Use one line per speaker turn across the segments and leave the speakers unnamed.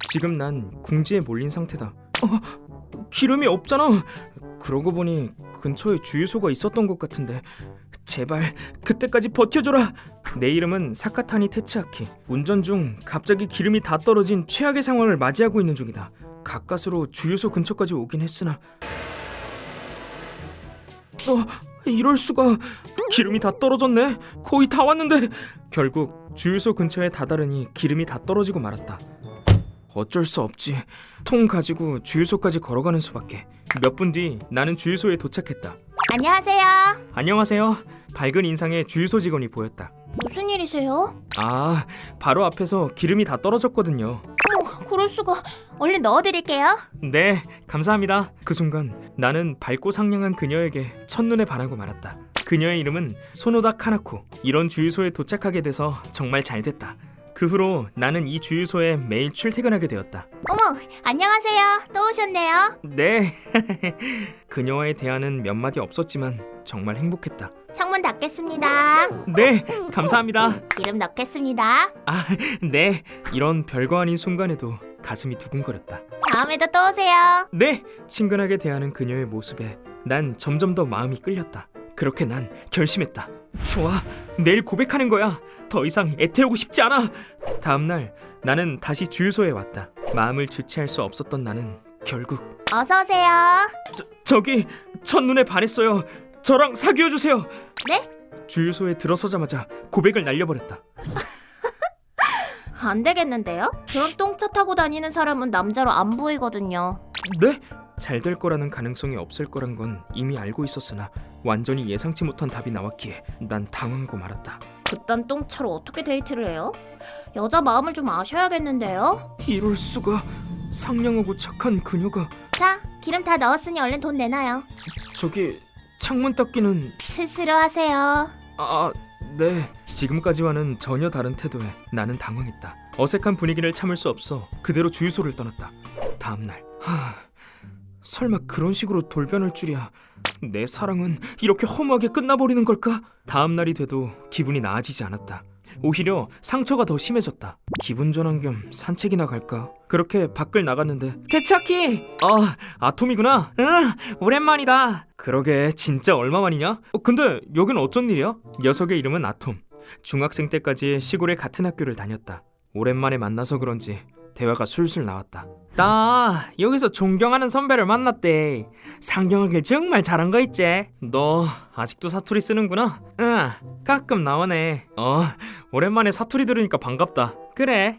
지금 난 궁지에 몰린 상태다. 기름이 없잖아. 그러고 보니 근처에 주유소가 있었던 것 같은데 제발 그때까지 버텨줘라. 내 이름은 사카타니 테츠아키. 운전 중 갑자기 기름이 다 떨어진 최악의 상황을 맞이하고 있는 중이다. 가까스로 주유소 근처까지 오긴 했으나 이럴 수가. 기름이 다 떨어졌네. 거의 다 왔는데. 결국 주유소 근처에 다다르니 기름이 다 떨어지고 말았다. 어쩔 수 없지. 통 가지고 주유소까지 걸어가는 수밖에. 몇 분 뒤 나는 주유소에 도착했다.
안녕하세요.
안녕하세요. 밝은 인상의 주유소 직원이 보였다.
무슨 일이세요?
아, 바로 앞에서 기름이 다 떨어졌거든요.
그럴 수가. 얼른 넣어드릴게요.
네, 감사합니다. 그 순간 나는 밝고 상냥한 그녀에게 첫눈에 반하고 말았다. 그녀의 이름은 소노다 카나코. 이런 주유소에 도착하게 돼서 정말 잘 됐다. 그 후로 나는 이 주유소에 매일 출퇴근하게 되었다.
어머, 안녕하세요. 또 오셨네요.
네. 그녀와의 대화는 몇 마디 없었지만 정말 행복했다.
창문 닫겠습니다.
네, 감사합니다.
기름 넣겠습니다.
아, 네. 이런 별거 아닌 순간에도 가슴이 두근거렸다.
다음에도 또 오세요.
네. 친근하게 대하는 그녀의 모습에 난 점점 더 마음이 끌렸다. 그렇게 난 결심했다. 좋아, 내일 고백하는 거야. 더 이상 애태우고 싶지 않아. 다음날 나는 다시 주유소에 왔다. 마음을 주체할 수 없었던 나는 결국
어서 오세요.
저기 첫눈에 반했어요. 저랑 사귀어주세요.
네?
주유소에 들어서자마자 고백을 날려버렸다.
안 되겠는데요? 그런 똥차 타고 다니는 사람은 남자로 안 보이거든요.
네? 잘 될 거라는 가능성이 없을 거란 건 이미 알고 있었으나 완전히 예상치 못한 답이 나왔기에 난 당황하고 말았다.
그딴 똥차로 어떻게 데이트를 해요? 여자 마음을 좀 아셔야겠는데요?
이럴 수가. 상냥하고 착한 그녀가.
자, 기름 다 넣었으니 얼른 돈 내놔요.
저기 창문 닦기는.
스스로 하세요.
네. 지금까지와는 전혀 다른 태도에 나는 당황했다. 어색한 분위기를 참을 수 없어 그대로 주유소를 떠났다. 다음날 설마 그런 식으로 돌변할 줄이야. 내 사랑은 이렇게 허무하게 끝나버리는 걸까? 다음날이 돼도 기분이 나아지지 않았다. 오히려 상처가 더 심해졌다. 기분 전환 겸 산책이나 갈까? 그렇게 밖을 나갔는데 테츠아키! 아톰이구나. 응, 오랜만이다. 그러게, 진짜 얼마만이냐? 근데 여긴 어쩐 일이야? 녀석의 이름은 아톰. 중학생 때까지 시골의 같은 학교를 다녔다. 오랜만에 만나서 그런지 대화가 술술 나왔다. 나 여기서 존경하는 선배를 만났대. 상경하길 정말 잘한 거 있지? 너 아직도 사투리 쓰는구나? 응, 가끔 나오네. 오랜만에 사투리 들으니까 반갑다. 그래.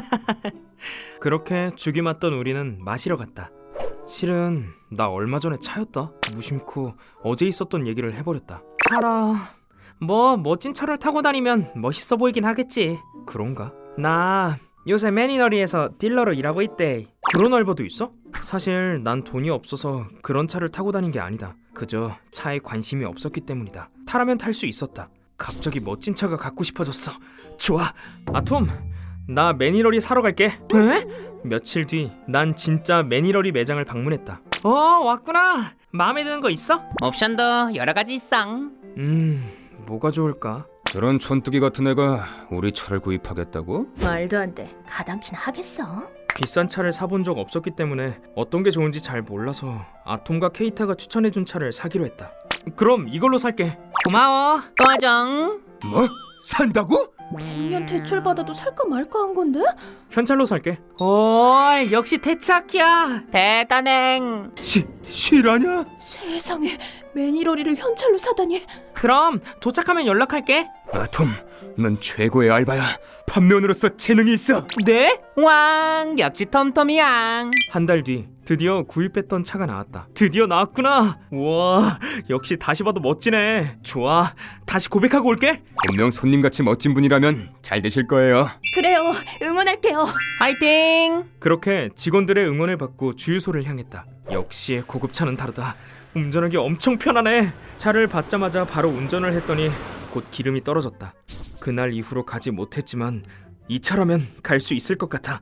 그렇게 죽이 맞던 우리는 마시러 갔다. 실은 나 얼마 전에 차였다. 무심코 어제 있었던 얘기를 해버렸다. 차라, 뭐 멋진 차를 타고 다니면 멋있어 보이긴 하겠지. 그런가? 나 요새 매니너리에서 딜러로 일하고 있대. 그런 알바도 있어? 사실 난 돈이 없어서 그런 차를 타고 다닌 게 아니다. 그저 차에 관심이 없었기 때문이다. 타라면 탈 수 있었다. 갑자기 멋진 차가 갖고 싶어졌어. 좋아, 아톰, 나 매니러리 사러 갈게. 에? 며칠 뒤 난 진짜 매니러리 매장을 방문했다. 왔구나. 마음에 드는 거 있어?
옵션도 여러 가지 있어.
뭐가 좋을까?
저런 촌뜨기 같은 애가 우리 차를 구입하겠다고?
말도 안 돼. 가당키나 하겠어?
비싼 차를 사본 적 없었기 때문에 어떤 게 좋은지 잘 몰라서 아톰과 케이타가 추천해준 차를 사기로 했다. 그럼 이걸로 살게. 고마워.
도와줘.
뭐? 산다고?
분명 대출 받아도 살까 말까 한 건데?
현찰로 살게. 역시 테츠아키야.
대단해.
실화냐?
세상에, 매니러리를 현찰로 사다니.
그럼 도착하면 연락할게.
아톰, 넌 최고의 알바야. 판매원으로서 재능이 있어.
네?
왕 역시 톰톰이야.
한 달 뒤 드디어 구입했던 차가 나왔다. 드디어 나왔구나. 우와, 역시 다시 봐도 멋지네. 좋아, 다시 고백하고 올게.
분명 손님같이 멋진 분이라면 잘 되실 거예요.
그래요, 응원할게요.
화이팅.
그렇게 직원들의 응원을 받고 주유소를 향했다. 역시 고급차는 다르다. 운전하기 엄청 편하네. 차를 받자마자 바로 운전을 했더니 곧 기름이 떨어졌다. 그날 이후로 가지 못했지만 이 차라면 갈 수 있을 것 같아.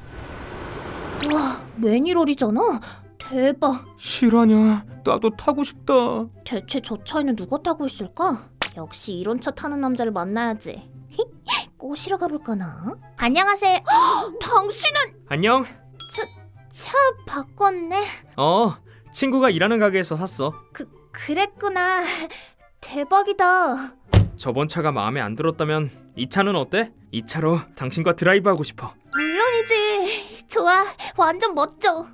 와, 매니러리잖아. 대박.
실화냐? 나도 타고 싶다.
대체 저 차에는 누가 타고 있을까? 역시 이런 차 타는 남자를 만나야지. 꼬시러 가볼까나? 안녕하세요. 당신은
안녕.
차 바꿨네.
친구가 일하는 가게에서 샀어.
그랬구나. 대박이다.
저번 차가 마음에 안 들었다면 이 차는 어때? 이 차로 당신과 드라이브하고 싶어.
물론이지. 좋아. 완전 멋져.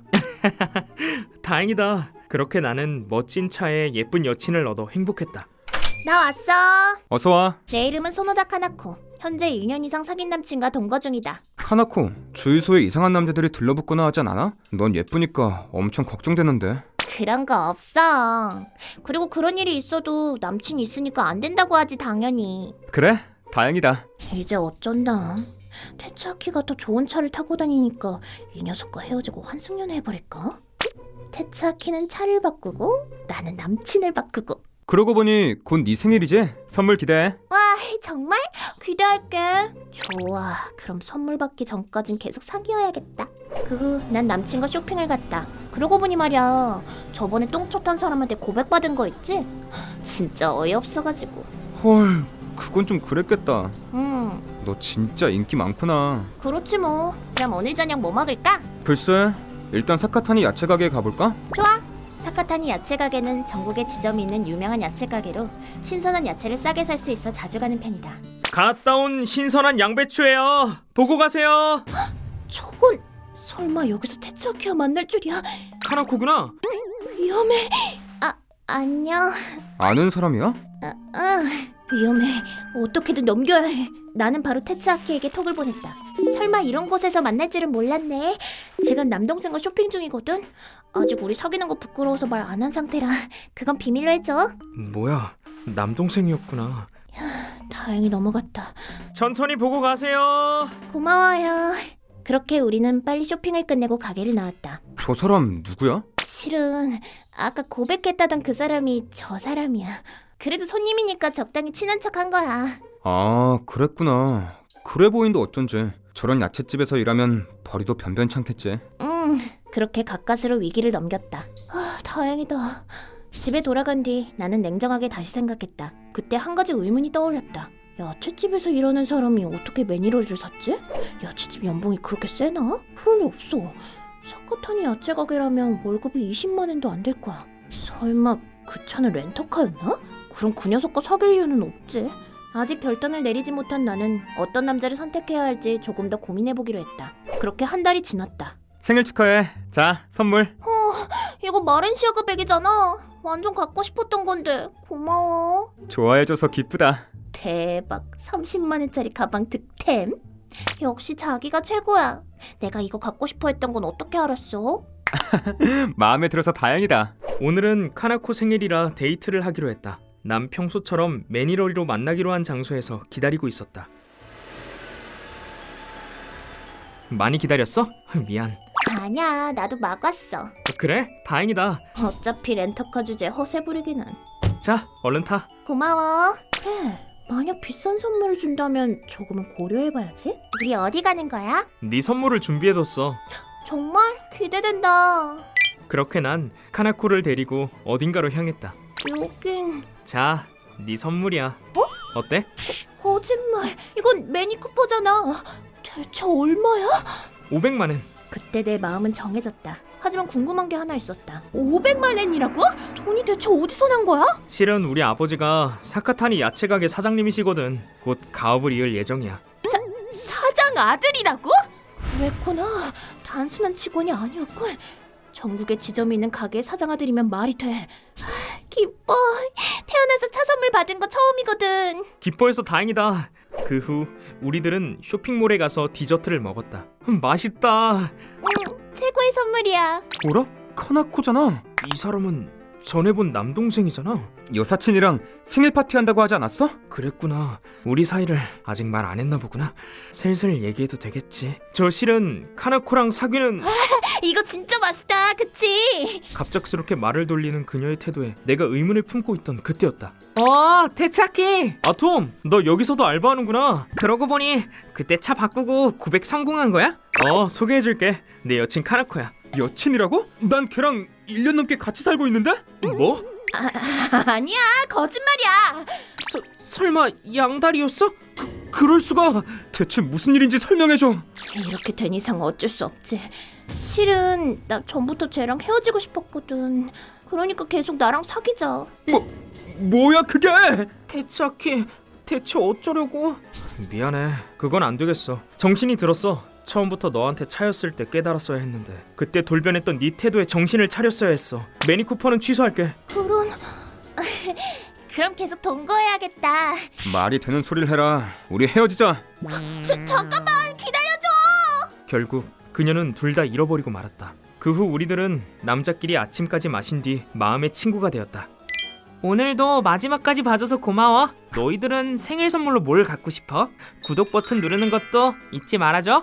다행이다. 그렇게 나는 멋진 차에 예쁜 여친을 얻어 행복했다.
나 왔어.
어서 와.
내 이름은 소노다 카나코. 현재 2년 이상 사귄 남친과 동거 중이다.
카나코, 주유소에 이상한 남자들이 들러붙거나 하진 않아? 넌 예쁘니까 엄청 걱정되는데.
그런 거 없어. 그리고 그런 일이 있어도 남친 있으니까 안 된다고 하지 당연히.
그래? 다행이다.
이제 어쩐다. 테츠아키가 더 좋은 차를 타고 다니니까 이 녀석과 헤어지고 환승연애 해버릴까? 테츠아키는 차를 바꾸고 나는 남친을 바꾸고.
그러고 보니 곧 네 생일이지? 선물 기대해.
와 정말? 기대할게. 좋아. 그럼 선물 받기 전까진 계속 사귀어야겠다. 그 후 난 남친과 쇼핑을 갔다. 그러고 보니 말이야, 저번에 똥초 탄 사람한테 고백받은 거 있지? 진짜 어이없어가지고.
헐, 그건 좀 그랬겠다.
응,
너 진짜 인기 많구나.
그렇지 뭐. 그럼 오늘 저녁 뭐 먹을까?
글쎄, 일단 사카타니 야채 가게에 가볼까?
좋아. 사카타니 야채 가게는 전국에 지점이 있는 유명한 야채 가게로 신선한 야채를 싸게 살 수 있어 자주 가는 편이다.
갔다 온 신선한 양배추예요. 보고 가세요.
저건 설마 여기서 테츠아키와 만날 줄이야?
카나코구나.
위험해. 안녕.
아는 사람이야?
위험해. 어떻게든 넘겨야 해. 나는 바로 테츠아키에게 톡을 보냈다. 설마 이런 곳에서 만날 줄은 몰랐네. 지금 남동생과 쇼핑 중이거든. 아직 우리 사귀는 거 부끄러워서 말 안 한 상태라 그건 비밀로 해줘.
뭐야, 남동생이었구나.
다행히 넘어갔다.
천천히 보고 가세요.
고마워요. 그렇게 우리는 빨리 쇼핑을 끝내고 가게를 나왔다.
저 사람 누구야?
실은 아까 고백했다던 그 사람이 저 사람이야. 그래도 손님이니까 적당히 친한 척 한 거야.
아, 그랬구나. 그래 보인다 어쩐지. 저런 야채집에서 일하면 벌이도 변변찮겠지.
그렇게 가까스로 위기를 넘겼다. 다행이다. 집에 돌아간 뒤 나는 냉정하게 다시 생각했다. 그때 한 가지 의문이 떠올랐다. 야채집에서 일하는 사람이 어떻게 매니러리를 샀지? 야채집 연봉이 그렇게 세나? 그럴 리 없어. 사카타니 야채 가게라면 월급이 20만 엔도 안 될 거야. 설마 그 차는 렌터카였나? 그럼 그 녀석과 사귈 이유는 없지. 아직 결단을 내리지 못한 나는 어떤 남자를 선택해야 할지 조금 더 고민해보기로 했다. 그렇게 한 달이 지났다.
생일 축하해. 자, 선물.
이거 마렌시아가 백이잖아. 완전 갖고 싶었던 건데. 고마워.
좋아해줘서 기쁘다.
대박. 30만 원짜리 가방 득템. 역시 자기가 최고야. 내가 이거 갖고 싶어 했던 건 어떻게 알았어?
마음에 들어서 다행이다.
오늘은 카나코 생일이라 데이트를 하기로 했다. 난 평소처럼 매니러리로 만나기로 한 장소에서 기다리고 있었다. 많이 기다렸어? 미안.
아니야, 나도 막 왔어.
그래? 다행이다.
어차피 렌터카 주제 허세 부리기는.
자, 얼른 타.
고마워. 그래, 만약 비싼 선물을 준다면 조금은 고려해봐야지. 우리 어디 가는 거야?
네 선물을 준비해뒀어.
정말 기대된다.
그렇게 난 카나코를 데리고 어딘가로 향했다.
여긴
자, 네 선물이야. 어때?
거짓말. 이건 매니쿠퍼잖아. 대체 얼마야?
500만 엔.
그때 내 마음은 정해졌다. 하지만 궁금한 게 하나 있었다. 500만 엔이라고? 돈이 대체 어디서 난 거야?
실은 우리 아버지가 사카타니 야채 가게 사장님이시거든. 곧 가업을 이을 예정이야.
사장 아들이라고? 그랬구나. 단순한 직원이 아니었군. 전국에 지점이 있는 가게의 사장 아들이면 말이 돼. 기뻐. 태어나서 차 선물 받은 거 처음이거든.
기뻐해서 다행이다. 그 후 우리들은 쇼핑몰에 가서 디저트를 먹었다. 맛있다.
최고의 선물이야.
뭐라? 카나코잖아.
이 사람은 전에 본 남동생이잖아.
여사친이랑 생일 파티 한다고 하지 않았어?
그랬구나. 우리 사이를 아직 말 안 했나 보구나. 슬슬 얘기해도 되겠지. 저 실은 카나코랑 사귀는...
이거 진짜 맛있다. 그치?
갑작스럽게 말을 돌리는 그녀의 태도에 내가 의문을 품고 있던 그때였다. 테츠아키! 톰! 너 여기서도 알바하는구나. 그러고 보니 그때 차 바꾸고 고백 성공한 거야? 소개해줄게. 내 여친 카나코야.
여친이라고? 난 걔랑 1년 넘게 같이 살고 있는데?
뭐?
아니야. 거짓말이야.
설마 양다리였어? 그럴 수가.
대체 무슨 일인지 설명해줘.
이렇게 된 이상 어쩔 수 없지. 실은 나 전부터 쟤랑 헤어지고 싶었거든. 그러니까 계속 나랑 사귀자.
뭐야 그게?
대차키 대체 어쩌려고? 미안해. 그건 안 되겠어. 정신이 들었어. 처음부터 너한테 차였을 때 깨달았어야 했는데 그때 돌변했던 네 태도에 정신을 차렸어야 했어. 매니 쿠퍼는 취소할게.
그럼 그럼 계속 동거해야겠다.
말이 되는 소리를 해라. 우리 헤어지자.
잠깐만 기다려줘.
결국 그녀는 둘 다 잃어버리고 말았다. 그 후 우리들은 남자끼리 아침까지 마신 뒤 마음의 친구가 되었다. 오늘도 마지막까지 봐줘서 고마워. 너희들은 생일 선물로 뭘 갖고 싶어? 구독 버튼 누르는 것도 잊지 말아줘.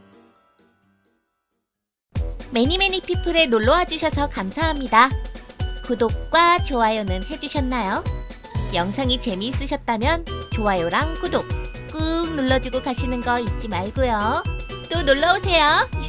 매니매니 피플에 놀러와 주셔서 감사합니다. 구독과 좋아요는 해주셨나요? 영상이 재미있으셨다면 좋아요랑 구독 꾹 눌러주고 가시는 거 잊지 말고요. 또 놀러오세요.